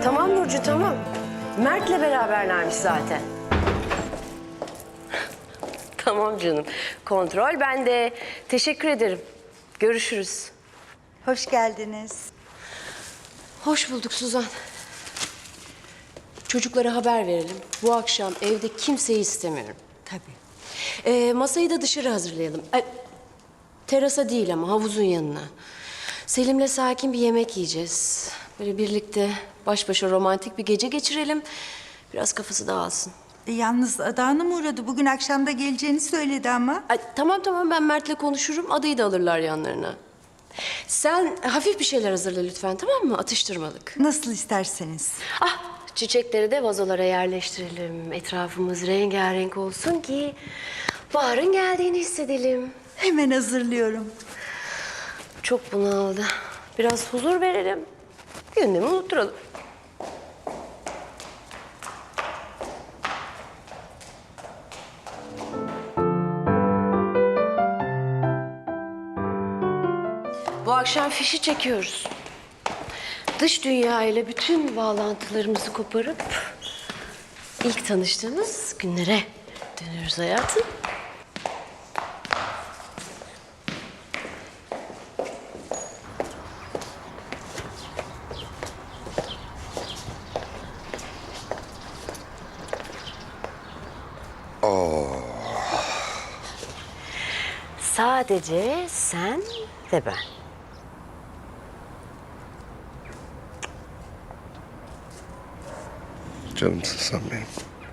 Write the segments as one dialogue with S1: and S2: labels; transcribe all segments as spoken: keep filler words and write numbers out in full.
S1: Tamam Burcu, tamam. Mert'le beraberlermiş zaten. Tamam canım. Kontrol bende. Teşekkür ederim. Görüşürüz.
S2: Hoş geldiniz.
S1: Hoş bulduk Suzan. Çocuklara haber verelim. Bu akşam evde kimseyi istemiyorum.
S2: Tabii.
S1: Ee, masayı da dışarı hazırlayalım. Ee, terasa değil ama havuzun yanına. Selim'le sakin bir yemek yiyeceğiz. Böyle birlikte baş başa romantik bir gece geçirelim. Biraz kafası dağılsın.
S2: E, yalnız Ada Hanım uğradı. Bugün akşam da geleceğini söyledi ama.
S1: Ay, tamam tamam ben Mert'le konuşurum. Adayı da alırlar yanlarına. Sen hafif bir şeyler hazırla lütfen, tamam mı? Atıştırmalık.
S2: Nasıl isterseniz.
S1: Ah, çiçekleri de vazolara yerleştirelim. Etrafımız rengarenk olsun ki baharın geldiğini hissedelim.
S2: Hemen hazırlıyorum.
S1: Çok bunaldı. Biraz huzur verelim. Gündemi unutturalım. Bu akşam fişi çekiyoruz. Dış dünya ile bütün bağlantılarımızı koparıp ilk tanıştığımız günlere dönüyoruz hayatım. Sadece sen ve ben.
S3: Canımsın sen benim.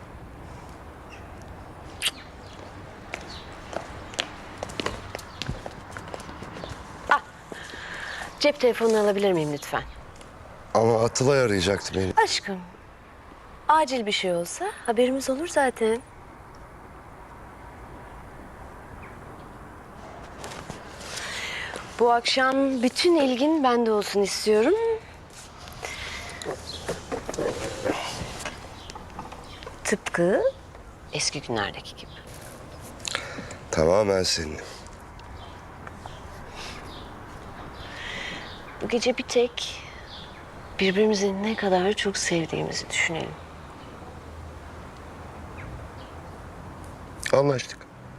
S1: Cep telefonunu alabilir miyim lütfen?
S3: Ama Atılay arayacaktı beni.
S1: Aşkım, acil bir şey olsa haberimiz olur zaten. Bu akşam bütün ilgin bende olsun istiyorum. Tıpkı eski günlerdeki gibi.
S3: Tamamen senin.
S1: Bu gece bir tek birbirimizi ne kadar çok sevdiğimizi düşünelim.
S3: Anlaştık.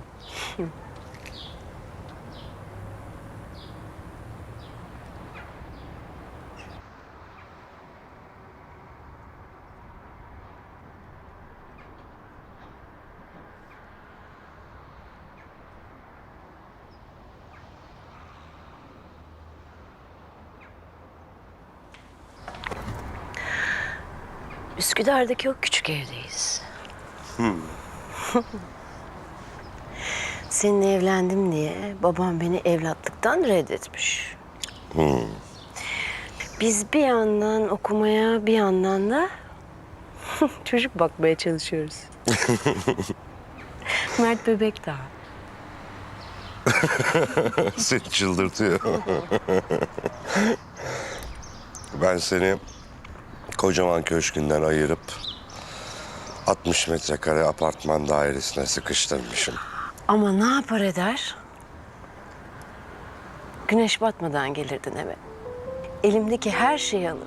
S1: Üsküdar'daki o küçük evdeyiz. Hmm. Seninle evlendim diye babam beni evlatlıktan reddetmiş.
S3: Hmm.
S1: Biz bir yandan okumaya, bir yandan da çocuk bakmaya çalışıyoruz. Mert bebek daha.
S3: Seni çıldırtıyor. Ben seni kocaman köşkünden ayırıp altmış metrekare apartman dairesine sıkıştırmışım.
S1: Ama ne yapar eder? Güneş batmadan gelirdin eve. Elimdeki her şeyi alıp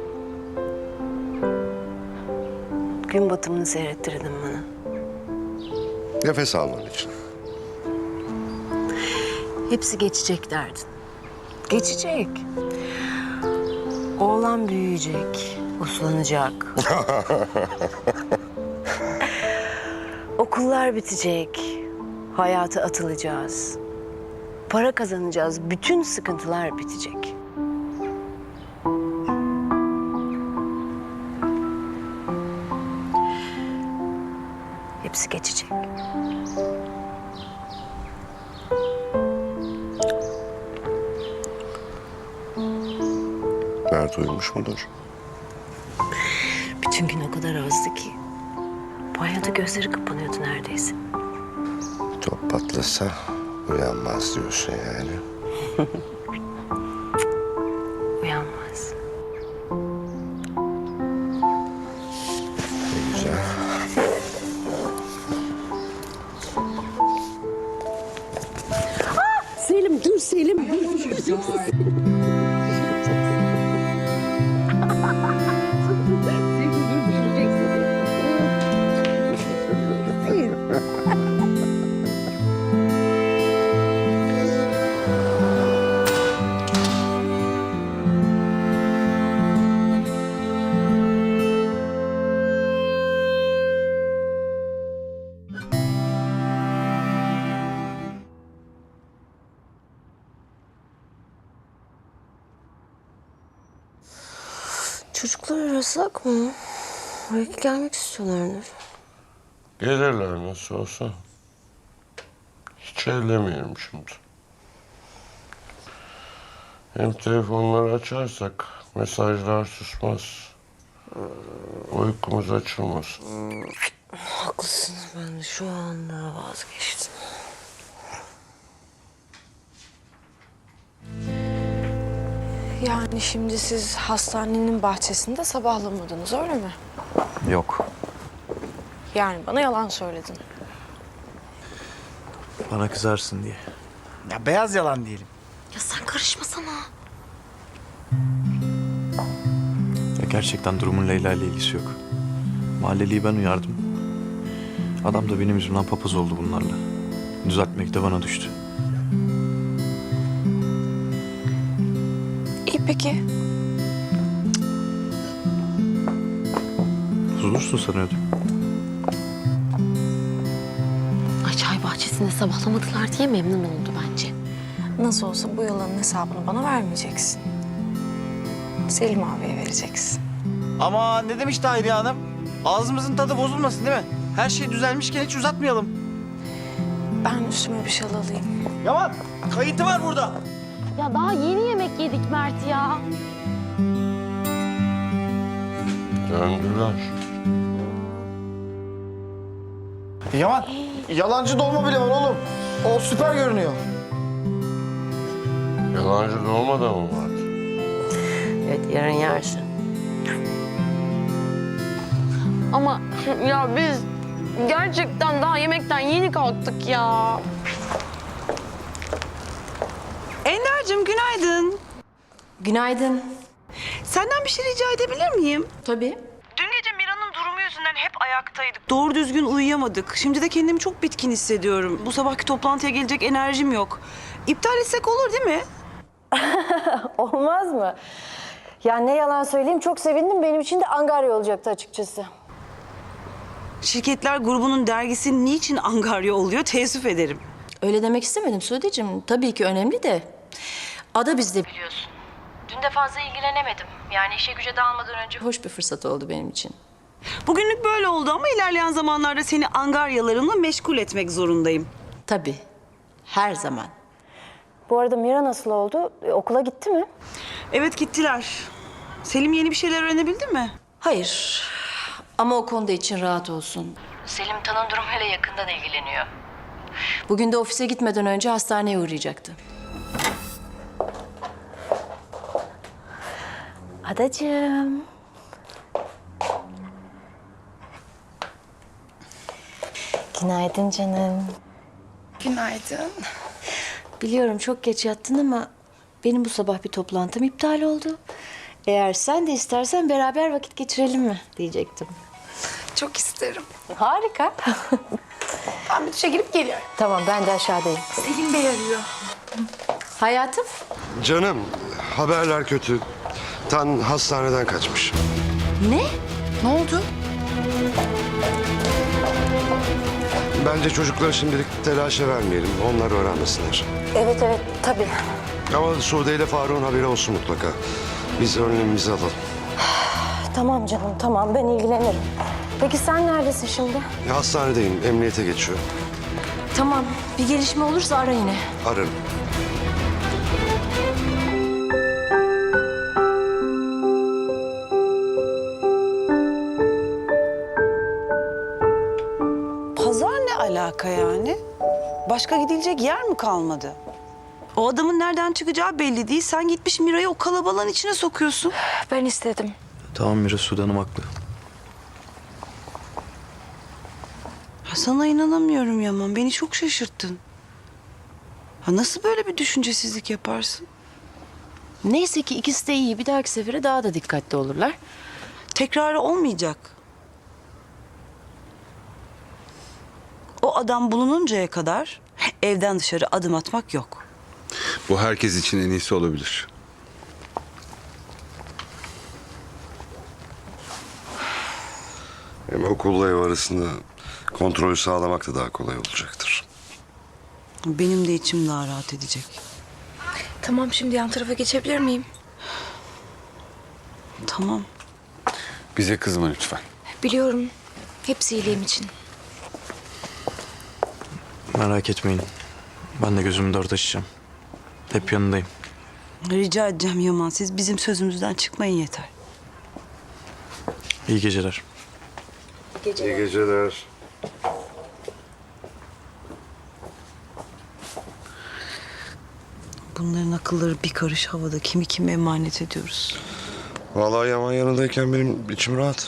S1: gün batımını seyrettirirdin bana.
S3: Nefes alman için.
S1: Hepsi geçecek derdin. Geçecek. Oğlan büyüyecek, uslanacak. Okullar bitecek, hayata atılacağız. Para kazanacağız, bütün sıkıntılar bitecek. Hepsi geçecek.
S3: Mert uyumuş mudur?
S1: Bütün gün o kadar azdı ki. Banyoda gözleri kapanıyordu neredeyse.
S3: Top patlasa uyanmaz diyorsun yani.
S1: Uyanmaz.
S3: Ne güzel.
S1: Selim dur Selim dur. Çocuklar arasak mı? Belki gelmek istiyorlardır.
S3: Gelirler nasıl olsa. Hiç ellemeyelim şimdi. Hem telefonları açarsak mesajlar susmaz. Uykumuz açılmaz.
S1: Haklısın. Ben de şu anda vazgeçtim.
S4: Yani şimdi siz hastanenin bahçesinde sabahlamadınız öyle mi?
S5: Yok.
S4: Yani bana yalan söyledin.
S5: Bana kızarsın diye.
S6: Ya beyaz yalan diyelim.
S1: Ya sen karışmasana.
S5: Ya gerçekten durumun Leyla ile ilgisi yok. Mahalleliyi ben uyardım. Adam da benim yüzümden papaz oldu bunlarla. Düzeltmek de bana düştü.
S4: İyi peki.
S5: Bozulursun sanıyordum.
S1: Ay çay bahçesinde sabahlamadılar diye memnun oldu bence.
S4: Nasıl olsa bu yalanın hesabını bana vermeyeceksin. Selim abiye vereceksin.
S6: Ama ne demiş Tahiriye Hanım? Ağzımızın tadı bozulmasın değil mi? Her şey düzelmişken hiç uzatmayalım.
S4: Ben üstüme bir şal alayım.
S6: Yaman, kayıtı var burada.
S7: Ya daha yeni yemek yedik Mert ya.
S3: Döndüler.
S6: Yaman, yalancı dolma bile var oğlum. O süper görünüyor.
S3: Yalancı dolma da mı vardı?
S1: Evet yarın yersin.
S7: Ama ya biz gerçekten daha yemekten yeni kalktık ya.
S8: Ender'cim günaydın.
S1: Günaydın.
S8: Senden bir şey rica edebilir miyim?
S1: Tabii.
S8: Dün gece Mira'nın durumu yüzünden hep ayaktaydık. Doğru düzgün uyuyamadık. Şimdi de kendimi çok bitkin hissediyorum. Bu sabahki toplantıya gelecek enerjim yok. İptal etsek olur değil mi?
S9: Olmaz mı? Ya ne yalan söyleyeyim çok sevindim. Benim için de angarya olacaktı açıkçası.
S8: Şirketler grubunun dergisi niçin angarya oluyor teessüf ederim.
S10: Öyle demek istemedim Sude'cim. Tabii ki önemli de. Ada bizde biliyorsun. Dün de fazla ilgilenemedim. Yani işe güce dağılmadan önce hoş bir fırsat oldu benim için.
S8: Bugünlük böyle oldu ama ilerleyen zamanlarda seni angaryalarımla meşgul etmek zorundayım.
S10: Tabii. Her zaman.
S9: Bu arada Mira nasıl oldu? E, okula gitti mi?
S8: Evet gittiler. Selim yeni bir şeyler öğrenebildi mi?
S10: Hayır. Ama o konuda için rahat olsun. Selim Tan'ın durumuyla yakından ilgileniyor. Bugün de ofise gitmeden önce hastaneye uğrayacaktı.
S9: Adacığım. Günaydın canım.
S4: Günaydın.
S10: Biliyorum çok geç yattın ama benim bu sabah bir toplantım iptal oldu. Eğer sen de istersen beraber vakit geçirelim mi diyecektim.
S4: Çok isterim.
S10: Harika.
S4: Ben bir duşa girip geliyorum.
S9: Tamam ben de aşağıdayım.
S4: Selim Bey arıyor.
S10: Hayatım.
S3: Canım, haberler kötü. Tan hastaneden kaçmış.
S10: Ne?
S4: Ne oldu?
S3: Bence çocukları şimdilik telaşa vermeyelim. Onlar öğrenmesinler.
S9: Evet evet tabii.
S3: Ama Sude ile Faruk'un haberi olsun mutlaka. Biz önlemimizi alalım.
S9: Tamam canım tamam ben ilgilenirim. Peki sen neredesin şimdi?
S3: Ya, hastanedeyim, emniyete geçiyor.
S10: Tamam. Bir gelişme olursa ara yine.
S3: Ararım.
S8: Pazar ne alaka yani? Başka gidilecek yer mi kalmadı? O adamın nereden çıkacağı belli değil. Sen gitmiş Mira'yı o kalabalığın içine sokuyorsun.
S4: Ben istedim.
S5: Tamam Mira, Sude Hanım haklı.
S8: Ya sana inanamıyorum Yaman. Beni çok şaşırttın. Ha nasıl böyle bir düşüncesizlik yaparsın?
S10: Neyse ki ikisi de iyi. Bir dahaki sefere daha da dikkatli olurlar.
S8: Tekrarı olmayacak. O adam bulununcaya kadar evden dışarı adım atmak yok.
S11: Bu herkes için en iyisi olabilir.
S3: Hem okulla ev arasında kontrolü sağlamak da daha kolay olacaktır.
S8: Benim de içim daha rahat edecek.
S4: Tamam şimdi yan tarafa geçebilir miyim?
S8: Tamam.
S11: Bize kızma lütfen.
S4: Biliyorum. Hepsi iyiliğim için.
S5: Merak etmeyin. Ben de gözümü dört açacağım. Hep yanındayım.
S8: Rica edeceğim Yaman, siz bizim sözümüzden çıkmayın yeter.
S5: İyi geceler.
S3: İyi geceler.
S8: Bunların akılları bir karış havada. Kimi kime emanet ediyoruz?
S3: Vallahi Yaman yanındayken benim içim rahat.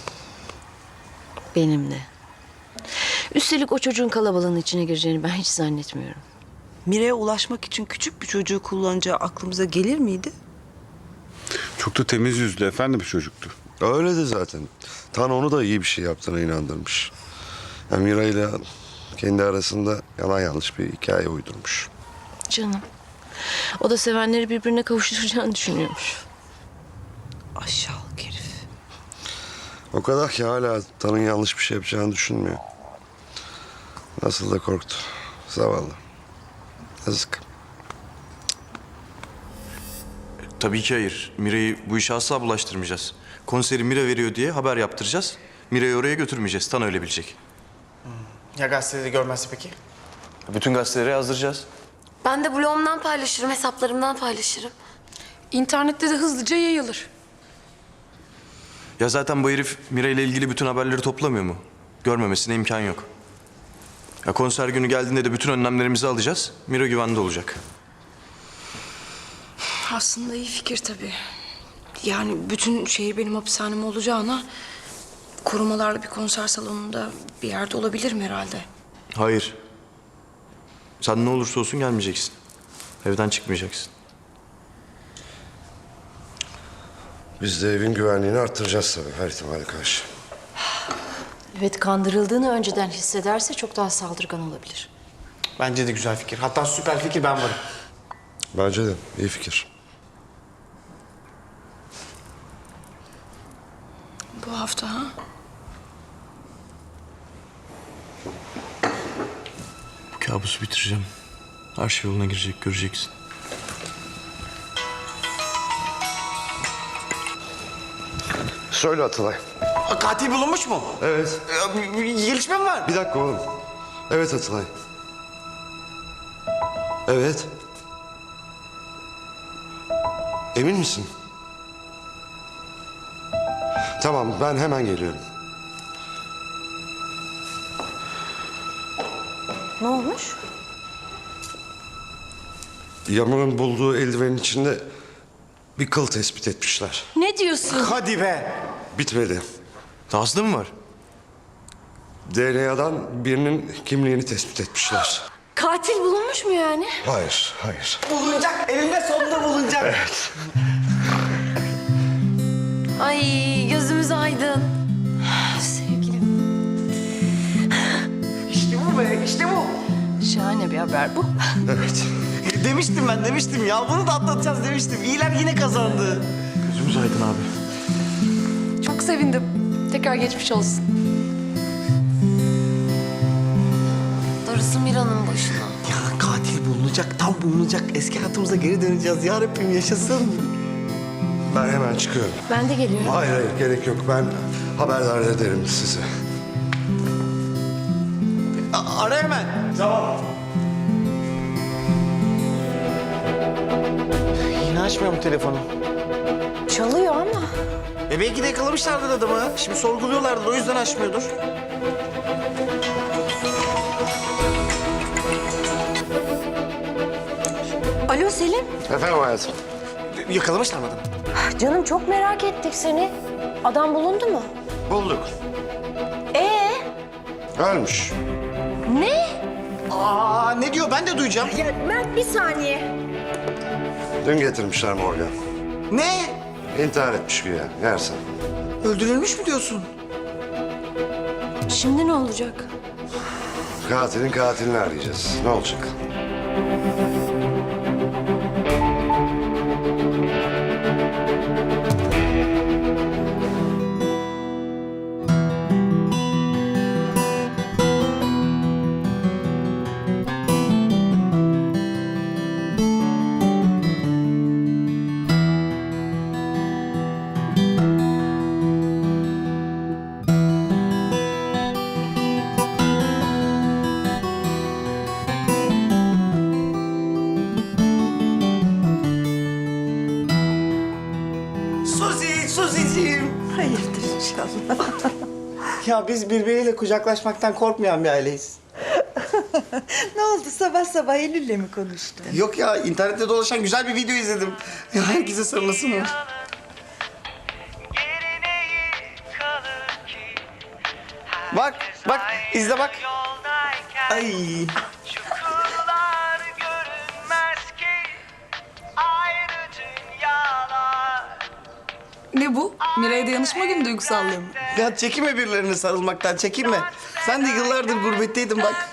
S10: Benim de. Üstelik o çocuğun kalabalığın içine gireceğini ben hiç zannetmiyorum.
S8: Mire'ye ulaşmak için küçük bir çocuğu kullanacağı aklımıza gelir miydi?
S11: Çok da temiz yüzlü efendi bir çocuktu.
S3: Öyle de zaten. Tan onu da iyi bir şey yaptığına inandırmış. Yani Mira ile kendi arasında yalan yanlış bir hikaye uydurmuş.
S10: Canım. O da sevenleri birbirine kavuşturacağını düşünüyormuş.
S8: Aşağılık herif.
S3: O kadar ki hala Tan'ın yanlış bir şey yapacağını düşünmüyor. Nasıl da korktu. Zavallı. Yazık.
S5: Tabii ki hayır. Mira'yı bu işe asla bulaştırmayacağız. Konseri Mira veriyor diye haber yaptıracağız. Mira'yı oraya götürmeyeceğiz. Tan öyle bilecek.
S6: Ya gazetede görmezse peki?
S5: Bütün gazetelere yazdıracağız.
S1: Ben de blogumdan paylaşırım, hesaplarımdan paylaşırım.
S7: İnternette de hızlıca yayılır.
S5: Ya zaten bu herif Mira ile ilgili bütün haberleri toplamıyor mu? Görmemesine imkan yok. Ya konser günü geldiğinde de bütün önlemlerimizi alacağız. Mira güvende olacak.
S7: Aslında iyi fikir tabii. Yani bütün şehir benim hapishanem olacağına... ...korumalarla bir konser salonunda bir yerde olabilirim herhalde.
S5: Hayır. Sen ne olursa olsun gelmeyeceksin. Evden çıkmayacaksın.
S3: Biz de evin güvenliğini arttıracağız tabii her ihtimale karşı.
S10: Evet, kandırıldığını önceden hissederse çok daha saldırgan olabilir.
S6: Bence de güzel fikir. Hatta süper fikir, ben varım.
S3: Bence de iyi fikir.
S7: Bu hafta ha?
S5: Bu kabusu bitireceğim. Her şey yoluna girecek, göreceksin.
S3: Söyle Atılay.
S6: Aa, katil bulunmuş mu?
S3: Evet.
S6: Ee, bir- bir gelişme mi var?
S3: Bir dakika oğlum. Evet Atılay. Evet. Emin misin? Tamam, ben hemen geliyorum.
S10: Ne olmuş?
S3: Yaman'ın bulduğu eldivenin içinde bir kıl tespit etmişler.
S10: Ne diyorsun?
S6: Hadi be.
S3: Bitmedi.
S5: Dahası da mı var?
S3: D N A'dan birinin kimliğini tespit etmişler.
S1: Katil bulunmuş mu yani?
S3: Hayır, hayır.
S6: Bulunacak. Elinde sonunda bulunacak.
S3: Evet.
S1: Ay gözümüz aydın.
S10: Sevgilim,
S6: İşte bu be, işte bu.
S10: şahane bir haber bu.
S3: Evet.
S6: Demiştim ben, demiştim ya. Bunu da atlatacağız demiştim. İyiler yine kazandı.
S5: Gözümüz aydın abi.
S7: Çok sevindim. Tekrar geçmiş olsun.
S1: Darısı Mira'nın başına.
S6: Ya katil bulunacak, tam bulunacak. Eski hayatımıza geri döneceğiz. Ya Rabbim yaşasın.
S3: Ben hemen çıkıyorum.
S10: Ben de geliyorum.
S3: Hayır, hayır gerek yok. Ben haberdar ederim sizi.
S6: A- ara hemen. Tamam. Yine açmıyor mu telefonu?
S10: Çalıyor ama.
S6: E belki de yakalamışlardır adamı. Şimdi sorguluyorlardır, o yüzden açmıyordur.
S10: Alo Selim.
S3: Efendim hayatım.
S6: Yakalamışlar mı adamı?
S10: Canım çok merak ettik seni. Adam bulundu mu?
S3: Bulduk.
S10: Ee?
S3: Ölmüş.
S10: Ne?
S6: Aa ne diyor, ben de duyacağım.
S10: Ya Mert bir saniye.
S3: Dün getirmişler morga.
S6: Ne?
S3: İntihar etmiş güya. Yersen.
S6: Öldürülmüş mü diyorsun?
S10: Şimdi ne olacak?
S3: Katilin katilini arayacağız. Ne olacak?
S2: Hayırdır inşallah.
S6: Ya biz birbiriyle kucaklaşmaktan korkmayan bir aileyiz.
S2: Ne oldu sabah sabah Eylül'le mi konuştun?
S6: Yok ya, internette dolaşan güzel bir video izledim. Ya herkese sarılası mı var? Bak, bak, izle bak. Ay.
S7: Ne bu? Miray'a dayanışma günü duygusallığı mı?
S6: Ya çekinme birilerine sarılmaktan, çekinme. Sen de yıllardır gurbetteydin bak.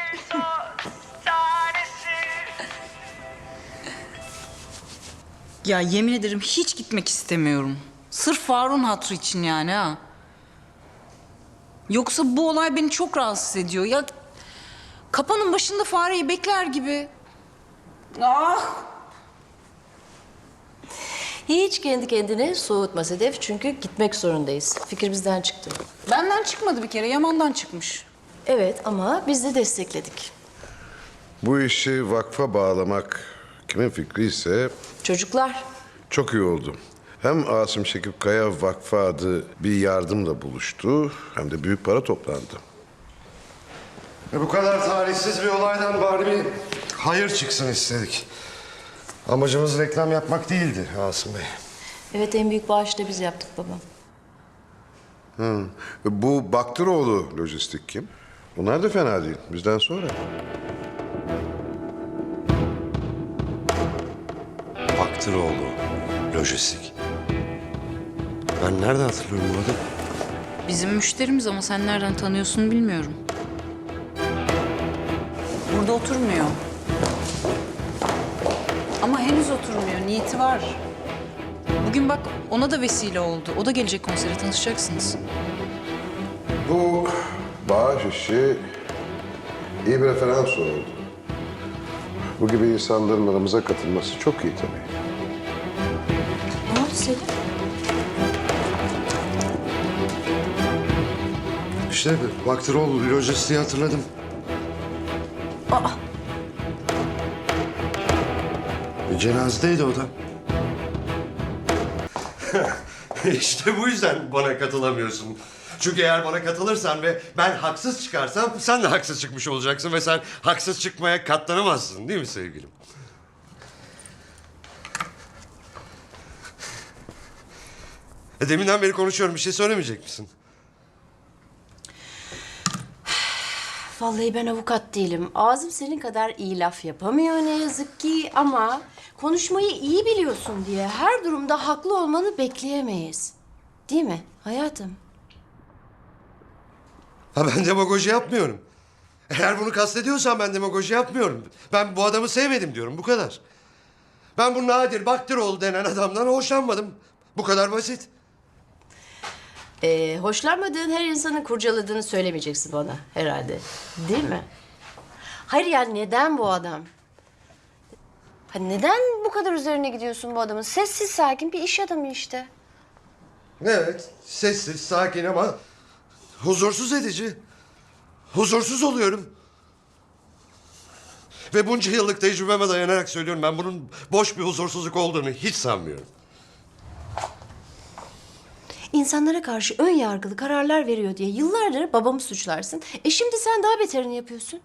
S8: Ya yemin ederim hiç gitmek istemiyorum. Sırf Faruk'un hatırı için yani ha. Yoksa bu olay beni çok rahatsız ediyor. Ya kapanın başında fareyi bekler gibi. Ah!
S10: Hiç kendi kendine soğutma Sedef çünkü gitmek zorundayız. Fikir bizden çıktı.
S8: Benden çıkmadı bir kere, Yaman'dan çıkmış.
S10: Evet ama biz de destekledik.
S3: Bu işi vakfa bağlamak kimin fikri ise
S10: Çocuklar.
S3: çok iyi oldu. Hem Asım Şekip Kaya Vakfı adı bir yardımla buluştu hem de büyük para toplandı. E bu kadar talihsiz bir olaydan bari bir hayır çıksın istedik. Amacımız reklam yapmak değildi Asım Bey.
S10: Evet en büyük bağışı da biz yaptık babam.
S3: Hı. Bu Baktıroğlu Lojistik kim? Bunlar da fena değil. Bizden sonra. Baktıroğlu Lojistik. Ben nereden hatırlıyorum bu adamı?
S8: Bizim müşterimiz ama sen nereden tanıyorsun bilmiyorum. Burada oturmuyor. Ama henüz oturmuyor, niyeti var. Bugün bak ona da vesile oldu. O da gelecek konsere, tanışacaksınız.
S3: Bu bağış işi iyi bir referans oldu. Bu gibi insanların aramıza katılması çok iyi tabii.
S10: Ne oldu Selim?
S3: İşte Baktıroğlu Lojistik'i hatırladım.
S10: Aa,
S3: Bir cenazedeydi o da. İşte bu yüzden bana katılamıyorsun. Çünkü eğer bana katılırsan ve ben haksız çıkarsam sen de haksız çıkmış olacaksın ve sen haksız çıkmaya katlanamazsın değil mi sevgilim? E deminden beri konuşuyorum, bir şey söylemeyecek misin?
S10: vallahi ben avukat değilim. Ağzım senin kadar iyi laf yapamıyor ne yazık ki ama konuşmayı iyi biliyorsun diye her durumda haklı olmanı bekleyemeyiz. Değil mi hayatım?
S3: Ha ben demagoji yapmıyorum. Eğer bunu kastediyorsan ben demagoji yapmıyorum. Ben bu adamı sevmedim diyorum, bu kadar. Ben bu Nadir Baktıroğlu denen adamdan hoşlanmadım. Bu kadar basit.
S10: Ee, hoşlanmadığın her insanın kurcaladığını söylemeyeceksin bana herhalde. Değil mi? Hayır yani neden bu adam? Ha, neden bu kadar üzerine gidiyorsun bu adamın? Sessiz sakin bir iş adamı işte.
S3: Evet, sessiz, sakin ama huzursuz edici. Huzursuz oluyorum. Ve bunca yıllık tecrübeme dayanarak söylüyorum, ben bunun boş bir huzursuzluk olduğunu hiç sanmıyorum.
S10: İnsanlara karşı ön yargılı kararlar veriyor diye yıllardır babamı suçlarsın. E şimdi sen daha beterini yapıyorsun.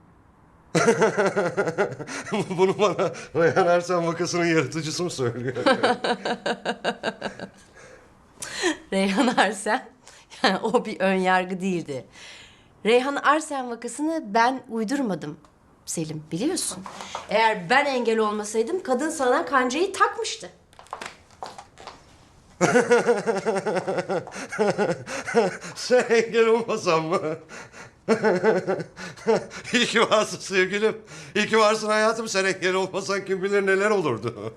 S3: Bunu bana Reyhan Ersen vakasının yaratıcısı mı söylüyor?
S10: Reyhan Arsen, yani o bir ön yargı değildi. Reyhan Arsen vakasını ben uydurmadım Selim, biliyorsun. Eğer ben engel olmasaydım kadın sana kancayı takmıştı.
S3: Sen engel olmasan mı? İyi ki varsın sevgilim. İyi ki varsın hayatım. Sen engel olmasan kim bilir neler olurdu.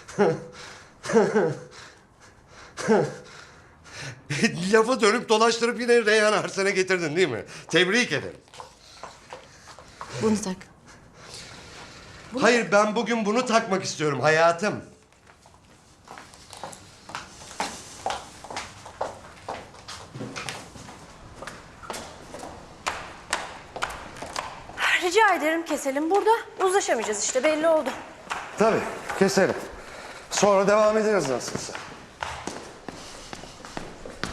S3: Lafı dönüp dolaştırıp yine Reyhan Arsen'e getirdin değil mi? Tebrik ederim.
S10: Bunu tak.
S3: Hayır, ben bugün bunu takmak istiyorum hayatım.
S10: Rica ederim keselim burada. Uzlaşamayacağız işte belli oldu.
S3: Tabii, keselim. Sonra devam ederiz nasılsa.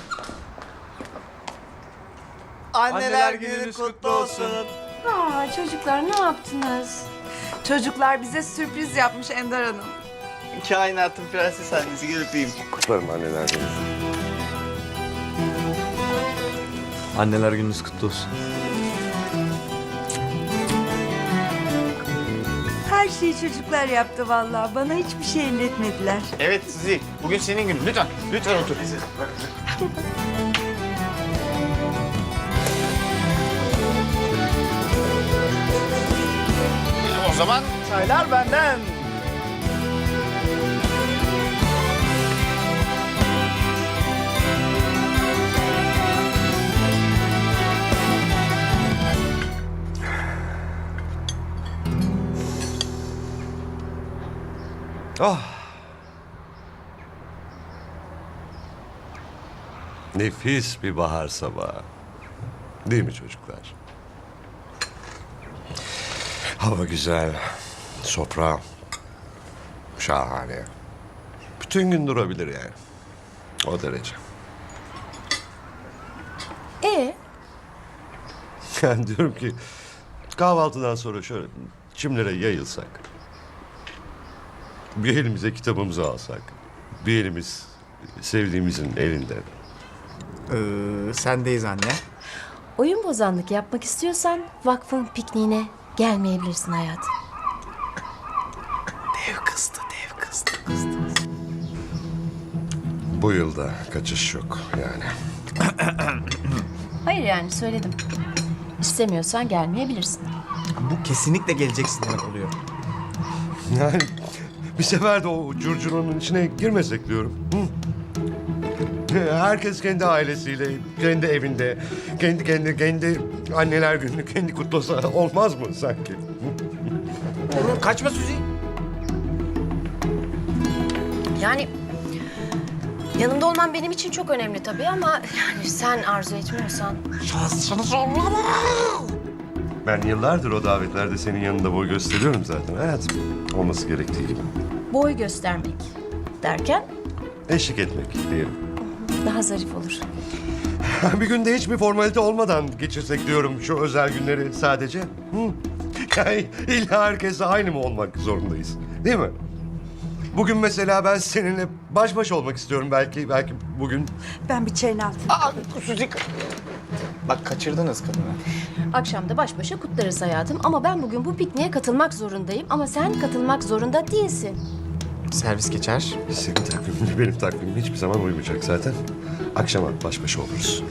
S6: Anneler gününüz kutlu olsun.
S10: Aa, çocuklar ne yaptınız?
S2: Çocuklar bize sürpriz yapmış Ender Hanım.
S6: Kainatın prenses annesi, gel öpeyim.
S3: Kutlarım anneler günü.
S5: Anneler gününüz kutlu olsun.
S2: Her şeyi çocuklar yaptı vallahi. Bana hiçbir şey elletmediler.
S6: Evet Suzi, bugün senin günün. Lütfen, lütfen otur. O zaman çaylar benden.
S3: Ah. Nefis bir bahar sabahı. Değil mi çocuklar? Hava güzel. Sofra şahane. Bütün gün durabilir yani. O derece.
S10: Ee,
S3: Yani diyorum ki kahvaltıdan sonra şöyle çimlere yayılsak. Bir elimize kitabımızı alsak. Bir elimiz sevdiğimizin elinde.
S6: Ee, sendeyiz anne.
S10: oyun bozanlık yapmak istiyorsan vakfın pikniğine gelmeyebilirsin hayatım.
S6: Dev kızdı, dev kızdı, kızdı.
S3: Bu yılda kaçış yok yani.
S10: Hayır yani söyledim. İstemiyorsan gelmeyebilirsin.
S6: Bu kesinlikle geleceksin demek oluyor.
S3: Yani bir sefer de o curcunanın içine girmesek diyorum. Hı? Herkes kendi ailesiyle, kendi evinde, kendi kendi kendi anneler gününü kendi kutlasa olmaz mı sanki?
S6: Oğlum kaçma Suzi.
S10: Yani yanımda olman benim için çok önemli tabii ama yani sen arzu etmiyorsan.
S3: Ben yıllardır o davetlerde senin yanında boy gösteriyorum zaten hayatım. Olması gerektiği gibi.
S10: Boy göstermek derken
S3: Eşlik etmek diyelim.
S10: daha zarif olur.
S3: Bir günde hiçbir formalite olmadan geçirsek diyorum şu özel günleri sadece. Hı? Yani illa herkese aynı mı olmak zorundayız? Değil mi? Bugün mesela ben seninle baş başa olmak istiyorum belki. Belki bugün.
S2: Ben bir çayını aldım.
S6: Aa, Suzi. Bak kaçırdınız kadını.
S10: Akşam da baş başa kutlarız hayatım ama ben bugün bu pikniğe katılmak zorundayım ama sen katılmak zorunda değilsin.
S6: Servis geçer.
S3: Senin takviminle benim takvimim hiçbir zaman uymayacak zaten. Akşama baş başa oluruz.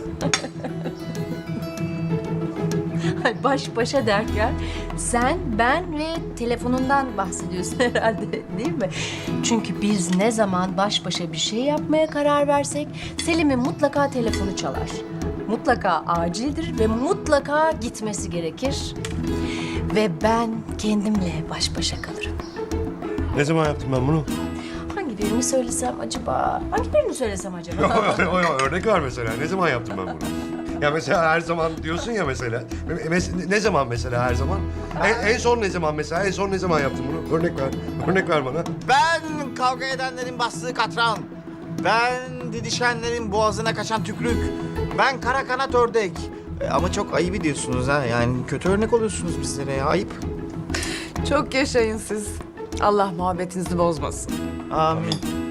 S10: Baş başa derken sen, ben ve telefonundan bahsediyorsun herhalde değil mi? Çünkü biz ne zaman baş başa bir şey yapmaya karar versek Selim'in mutlaka telefonu çalar. Mutlaka acildir ve mutlaka gitmesi gerekir. Ve ben kendimle baş başa kalırım.
S3: Ne zaman yaptım ben bunu?
S10: Hangi birini söylesem acaba? Hangi birini söylesem acaba?
S3: O, o, örnek var mesela. Ne zaman yaptım ben bunu? Ya mesela her zaman diyorsun ya mesela. Mes- ne zaman mesela her zaman? En, en son ne zaman mesela? En son ne zaman yaptım bunu? Örnek ver. Örnek ver bana.
S6: Ben kavga edenlerin bastığı katran. Ben didişenlerin boğazına kaçan tükrük. Ben kara kanat ördek. E, ama çok ayıp ediyorsunuz ha. Yani kötü örnek oluyorsunuz bizlere ya. Ayıp.
S2: Çok yaşayın siz. Allah muhabbetinizi bozmasın.
S6: Amin.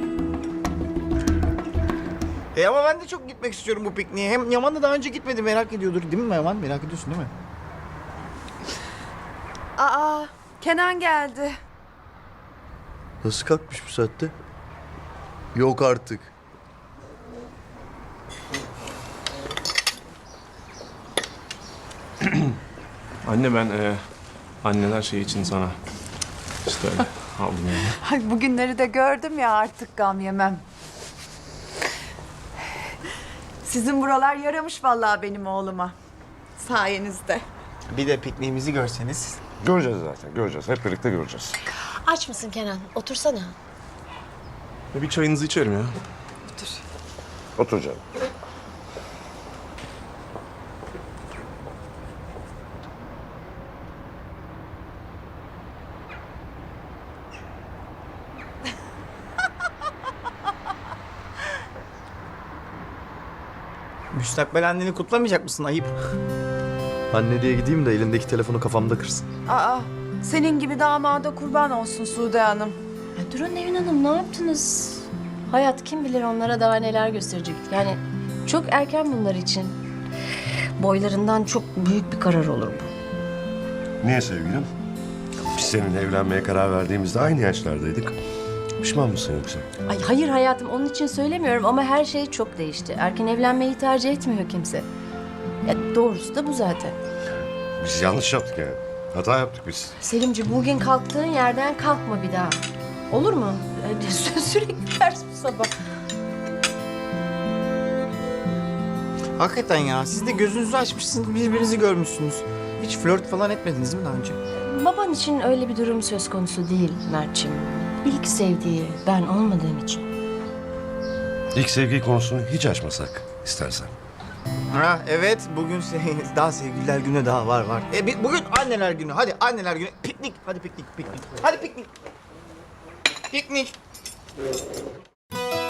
S6: E ama ben de çok gitmek istiyorum bu pikniğe. Hem Yaman da daha önce gitmedi, merak ediyordur. Değil mi Yaman? Merak ediyorsun değil mi?
S2: Aa, Kenan geldi.
S5: Nasıl kalkmış bu saatte? Yok artık.
S12: Anne ben e, anneler şey için sana işte öyle aldım yani.
S2: Ay, bugünleri de gördüm ya artık gam yemem. Sizin buralar yaramış vallahi benim oğluma. Sayenizde.
S6: Bir de pikniğimizi görseniz.
S3: Göreceğiz zaten. Göreceğiz. Hep birlikte göreceğiz.
S10: Aç mısın Kenan? Otursana.
S12: E, bir çayınızı içerim ya.
S3: Otur canım.
S6: Müstakbel anneni kutlamayacak mısın? Ayıp.
S5: Anne diye gideyim de elindeki telefonu kafamda kırsın.
S8: Aa, senin gibi damada kurban olsun Sude Hanım.
S1: Ya durun Nevin Hanım, ne yaptınız? Hayat kim bilir onlara daha neler gösterecek. Yani çok erken bunlar için. Boylarından çok büyük bir karar olur bu.
S3: Niye sevgilim? Biz seninle evlenmeye karar verdiğimizde aynı yaşlardaydık. Pişman mısın yoksa?
S1: Ay hayır hayatım, onun için söylemiyorum ama her şey çok değişti. Erken evlenmeyi tercih etmiyor kimse. Ya doğrusu da bu zaten.
S3: Biz yanlış yaptık yani. Hata yaptık biz.
S1: Selimci, bugün kalktığın yerden kalkma bir daha. Olur mu? Yani sü- sürekli ters bu sabah.
S6: Hakikaten ya, siz de gözünüzü açmışsınız, birbirinizi görmüşsünüz. Hiç flört falan etmediniz mi daha önce?
S1: Baban için öyle bir durum söz konusu değil Mert'ciğim. İlk sevdiği ben olmadığım için.
S3: İlk sevgi konusunu hiç açmasak istersen.
S6: Ha evet, bugün se- daha sevgililer günü daha var var. E, bi- bugün anneler günü, hadi anneler günü. Piknik, hadi piknik, piknik. Hadi piknik. Piknik.